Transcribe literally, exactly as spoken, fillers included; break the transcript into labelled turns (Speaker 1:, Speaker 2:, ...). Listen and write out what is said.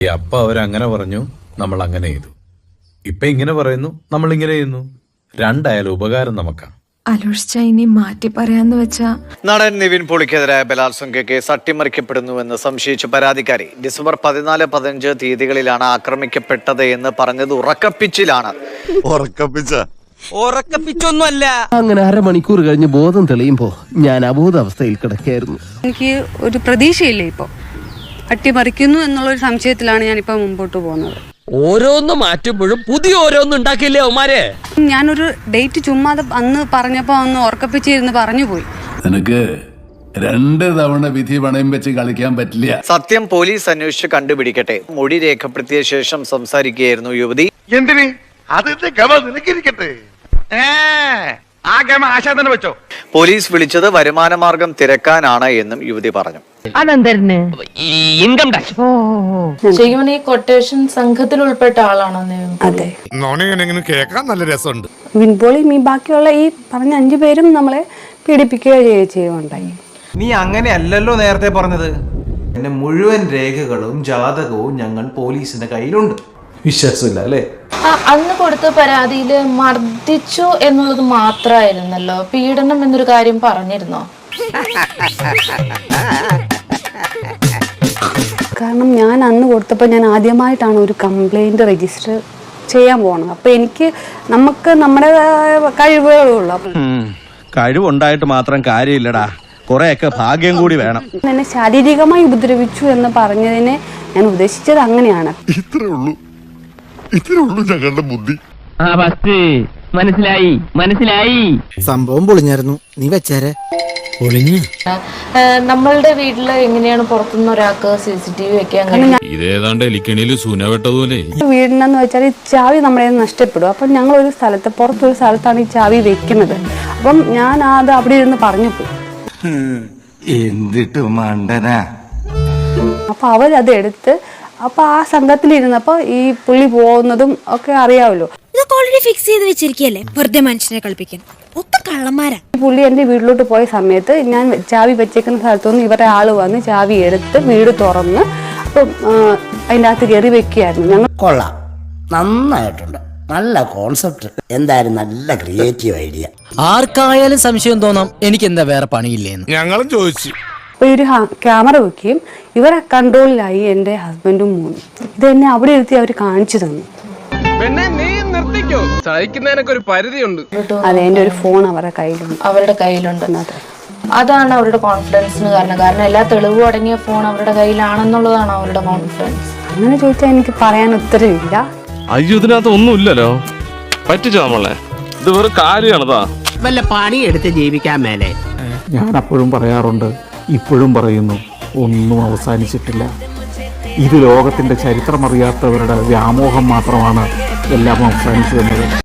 Speaker 1: അപ്പൊ അവരങ്ങനെ പറഞ്ഞു, നമ്മൾ അങ്ങനെ ചെയ്തു. ഇപ്പൊ ഇങ്ങനെ പറയുന്നു, നമ്മൾ ഇങ്ങനെ ചെയ്യുന്നു. രണ്ടായാലും ഉപകാരം നമുക്കാണ്.
Speaker 2: അലോഷിച്ച ഇനി മാറ്റി പറയാന്ന് വെച്ചാ
Speaker 3: നടൻ നിവിൻ പോളിക്കെതിരായ ബലാത്സംഗ കേസ് അട്ടിമറിക്കപ്പെടുന്നുവെന്ന് സംശയിച്ച പരാതിക്കാരി ഡിസംബർ പതിനാല് പതിനഞ്ച് തീയതികളിലാണ് ആക്രമിക്കപ്പെട്ടത് എന്ന് പറഞ്ഞത് ഉറക്കപ്പിച്ചിലാണ്.
Speaker 4: ഉറക്കപ്പിച്ചൊന്നുമല്ല.
Speaker 5: അങ്ങനെ അരമണിക്കൂർ കഴിഞ്ഞ് ബോധം തെളിയുമ്പോ ഞാൻ അബോധാവസ്ഥയിൽ കിടക്കായിരുന്നു.
Speaker 6: എനിക്ക് ഒരു പ്രതീക്ഷയില്ല. ഇപ്പൊ അട്ടിമറിക്കുന്നു എന്നുള്ളൊരു സംശയത്തിലാണ് ഞാനിപ്പോ മുമ്പോട്ട് പോകുന്നത്.
Speaker 4: ഓരോന്ന് മാറ്റുമ്പോഴും പുതിയ ഓരോന്നും ഉണ്ടാക്കിയില്ലേ അവന്മാരെ.
Speaker 6: ഞാനൊരു ഡേറ്റ് ചുമ്മാതെ അന്ന് പറഞ്ഞപ്പോ അന്ന് ഉറക്കപ്പിച്ചിരുന്ന് പറഞ്ഞു പോയി.
Speaker 7: നിനക്ക് രണ്ട് തവണ വിധി പണയം വെച്ച് കളിക്കാൻ പറ്റില്ല.
Speaker 3: സത്യം പോലീസ് അന്വേഷിച്ച് കണ്ടുപിടിക്കട്ടെ. മൊഴി രേഖപ്പെടുത്തിയ ശേഷം സംസാരിക്കുകയായിരുന്നു യുവതി.
Speaker 8: എന്തിന് അതിന്റെ ഗമ നിനക്കിരിക്കട്ടെ. ആ ഗമ ആശാ തന്നെ വെച്ചോ.
Speaker 3: പോലീസ് വിളിച്ചത് വരുമാനമാർഗം തിരക്കാനാണ് എന്നും യുവതി പറഞ്ഞു.
Speaker 4: Income tax.
Speaker 9: ശരിക്കും ഈ കൊട്ടേഷൻ സംഘത്തിൽ ഉൾപ്പെട്ട ആളാണോ?
Speaker 6: അതെ.
Speaker 8: കേൾക്കാൻ നല്ല രസമുണ്ട്.
Speaker 6: വിൻപോളിയും ഈ ബാക്കിയുള്ള ഈ പറഞ്ഞ അഞ്ചു പേരും നമ്മളെ പീഡിപ്പിക്കുകയോ ചെയ്യുകയുണ്ടായി.
Speaker 10: നീ അങ്ങനെയല്ലല്ലോ നേരത്തെ പറഞ്ഞത്. എന്റെ മുഴുവൻ രേഖകളും ജാതകവും ഞങ്ങൾ പോലീസിന്റെ കയ്യിലുണ്ട്. വിശ്വാസമില്ല അല്ലേ?
Speaker 9: അന്ന് കൊടുത്ത പരാതിയില് മർദ്ദിച്ചു എന്നുള്ളത് മാത്രമായിരുന്നല്ലോ, പീഡനം എന്നൊരു കാര്യം പറഞ്ഞിരുന്നോ?
Speaker 6: കാരണം ഞാൻ അന്ന് കൊടുത്തപ്പോൾ ഞാൻ ആദ്യമായിട്ടാണ് ഒരു കംപ്ലൈന്റ് രജിസ്റ്റർ ചെയ്യാൻ പോണത്. അപ്പൊ എനിക്ക് നമുക്ക് നമ്മുടെ കഴിവുകളുള്ളൂ.
Speaker 5: കഴിവുണ്ടായിട്ട് മാത്രം കാര്യമില്ലടാ, കുറെയൊക്കെ ഭാഗ്യം കൂടി വേണം.
Speaker 6: എന്നെ ശാരീരികമായി ഉപദ്രവിച്ചു എന്ന് പറഞ്ഞതിനെ ഞാൻ ഉദ്ദേശിച്ചത് അങ്ങനെയാണ്.
Speaker 8: ഇത്രേ ഉള്ളൂ ഇത്രേ ഉള്ളൂ ഞങ്ങളുടെ ബുദ്ധി.
Speaker 4: മനസ്സിലായി മനസ്സിലായി.
Speaker 5: സംഭവം പൊളിഞ്ഞായിരുന്നു, നീ വെച്ചേരെ.
Speaker 9: നമ്മളുടെ വീട്ടില് എങ്ങനെയാണ് പുറത്തുനിന്ന് ഒരാൾക്ക് സി സി ടി വി വെക്കാൻ കഴിയും?
Speaker 7: ഇതേതാണ്ട് എലിക്കണിയിൽ സൂന വെട്ടതുപോലെ.
Speaker 6: വീടിനെന്ന് വെച്ചാൽ ഈ ചാവി നമ്മളെ നഷ്ടപ്പെടും. അപ്പം ഞങ്ങൾ ഒരു സ്ഥലത്ത് പുറത്തൊരു സ്ഥലത്താണ് ഈ ചാവി വെക്കുന്നത്. അപ്പം ഞാൻ അത് അവിടെ ഇരുന്ന് പറഞ്ഞു പോയി.
Speaker 7: എന്തിട്ട് മണ്ടനാ.
Speaker 6: അപ്പൊ അവരത് എടുത്ത് അപ്പൊ ആ സംഘത്തിലിരുന്നപ്പോ ഈ പുള്ളി പോകുന്നതും ഒക്കെ അറിയാമല്ലോ.
Speaker 11: ഇതൊക്കെ ഓൾറെഡി ഫിക്സ് ചെയ്ത് വെച്ചിരിക്കല്ലേ, വെറുതെ മനുഷ്യനെ കളിപ്പിക്കാൻ. ഒത്ത കള്ളന്മാരാ.
Speaker 6: ഈ പുള്ളി എന്റെ വീട്ടിലോട്ട് പോയ സമയത്ത് ഞാൻ ചാവി വെച്ചേക്കുന്ന സ്ഥലത്തുനിന്ന് ഇവരുടെ ആള് വന്ന് ചാവി എടുത്ത് വീട് തുറന്ന് അപ്പം അതിൻ്റെ അകത്ത് കയറി വെക്കുകയായിരുന്നു. ഞങ്ങൾ
Speaker 5: കൊള്ളാം, നന്നായിട്ടുണ്ട്, നല്ല കോൺസെപ്റ്റ്, എന്തായാലും നല്ല ക്രിയേറ്റീവ് ഐഡിയ.
Speaker 4: ആർക്കായാലും സംശയം തോന്നാം എനിക്ക് എന്താ വേറെ പണിയില്ലേന്ന്.
Speaker 8: ഞങ്ങളും ചോദിച്ചു.
Speaker 6: അപ്പോൾ ഒരു ക്യാമറ വെക്കുകയും ഇവരെ കൺട്രോളിലായി എൻ്റെ ഹസ്ബൻഡും മോനും. ഇത് എന്നെ അവിടെ ഇരുത്തി അവർ കാണിച്ചു തന്നു.
Speaker 4: സഹിക്കുന്നതിനൊക്കെ ഒരു പരിധിയുണ്ട്.
Speaker 6: അതെ, എൻ്റെ ഒരു ഫോൺ അവരുടെ കയ്യിലുണ്ട്.
Speaker 9: അവരുടെ കയ്യിലുണ്ട്. അതാണ് അവരുടെ കോൺഫിഡൻസിന് കാരണം. കാരണം എല്ലാ തെളിവും അടങ്ങിയ ഫോൺ അവരുടെ കയ്യിലാണെന്നുള്ളതാണ് അവരുടെ കോൺഫിഡൻസ്.
Speaker 6: അങ്ങനെ ചോദിച്ചാൽ എനിക്ക് പറയാൻ ഉത്തരവില്ല.
Speaker 7: അയ്യോ, ഇതിനകത്ത് ഒന്നുമില്ലല്ലോ. പറ്റിച്ചോ നമ്മളെ? ഇത് വെറും കാര്യമാണതാ.
Speaker 4: വല്ല പണിയെടുത്ത് ജീവിക്കാൻ മേലെ.
Speaker 10: ഞാൻ അപ്പോഴും പറയാറുണ്ട്, ഇപ്പോഴും പറയുന്നു, ഒന്നും അവസാനിച്ചിട്ടില്ല. ഇത് ലോകത്തിന്റെ ചരിത്രമറിയാത്തവരുടെ വ്യാമോഹം മാത്രമാണ് എല്ലാം അവസാനിച്ചു എന്നത്.